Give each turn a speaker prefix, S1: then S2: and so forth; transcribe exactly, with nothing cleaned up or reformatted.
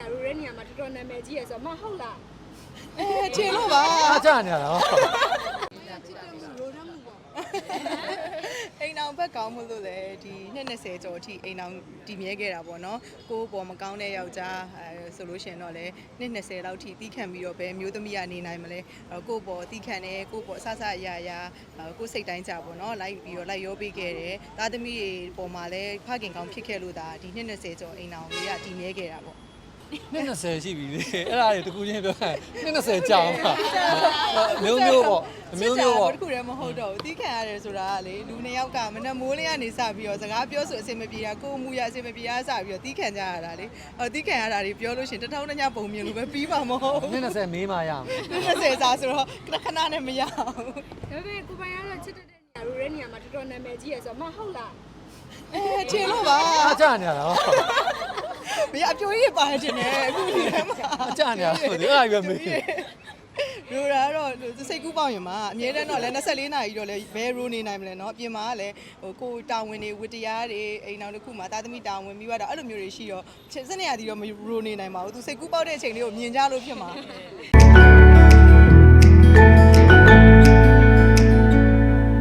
S1: ရူရဲနေရာမှာတော်တော်နာမည်ကြီးရယ်ဆိုတော့မဟုတ်လား
S2: အဲချင်လို့ပါ
S3: အားကြနေရတာ
S2: အိမ်အောင်ဘက်ကောင်းမှုလို့လေဒီနှစ်နှစ်ဆယ်ကျော်အထိအိမ်အောင်တည်မြဲခဲ့တာပေါ့နော်ကိုယ်ပေါ်မကောင်းတဲ့ယောက်ျားအဲဆိုလို့ရှိရင်တော့လေနှစ်နှစ်ဆယ်လောက်ထိတီးခံပြီးတော့ဘယ်မျိုးသမီးကနေနိုင်မလဲကိုယ့်ပေါ်တီးခံတယ်ကိုယ့်ပေါ်အဆဆအရာရာကိုယ်စိတ်တိုင်းကြပေါ့နော်လိုက်ပြီးတော့လိုက်ရောပေးခဲ့တယ်သားသမီးတွေပေါ်မှာလည်းဖခင်ကောင်းဖြစ်ခဲ့လို့ဒါဒီနှစ်နှစ်ဆယ်ကျော်အိမ်အောင်လေးကတည်မြဲခဲ့တာပေါ့
S3: နှစ်နှစ်ဆယ်ရှိပြီလေအဲ့ဒါတွေတကူချင်းပြောရင်နှစ်နှစ်ဆယ်ကြာအောင်ပါမျိုးမျိုးပေါ့မျိုးမျိုးပေါ့
S2: တခုတည်းမဟုတ်တော့ဘူးတီးခံရတယ်ဆိုတာကလေလူနှစ်ယောက်ကမနှမိုးလေးကနေစပြီးတော့စကားပြောဆိုအဆင်မပြေတာကိုယ်မူရအဆင်မပြေတာစပြီးတော့တီးခံကြရတာလေအော်တီးခံရတာတွေပြောလို့ရှိရင်တထောင်တစ်ညပုံမြင်လို့ပဲပြီးပါမဟုတ်
S3: နှစ်နှစ်ဆယ်မေးမှရအောင်
S2: နှစ်ဆယ်စာဆိုတော့ခဏခဏနဲ့မရအောင်
S1: ဒါပေမဲ့ကိုပိုင်ကတော့ချစ်တဲ့နေရာရူရဲနေရာမှာတော်တော်နာမည်ကြီးရယ်ဆိုတော့မဟုတ်လား
S2: အဲချင်လို့ပါ
S3: အားကြနေရတာ
S2: မရအပြိုကြီးပါတယ်တင်တယ်အခုဒီထဲမှာ
S3: အားကြနေရတာဒီအဲ့ဒါပဲမေး
S2: ရိုးတာတော့စိတ်ကူးပေါက်ရင်မှာအမြဲတမ်းတော့လဲ၂၄နာရီတော့လဲဘယ်ရိုးနေနိုင်မလဲเนาะအပြင်မှာကလည်းဟိုကိုတာဝန်တွေဝတ္တရားတွေအိမ်အောင်တစ်ခုမှာတာသမီတာဝန်ပြီးတော့အဲ့လိုမျိုးတွေရှိတော့စနေရသည်တော့မရိုးနေနိုင်ပါဘူးသူစိတ်ကူးပေါက်တဲ့အချိန်လေးကိုမြင်ကြလို့ဖြစ်မှာ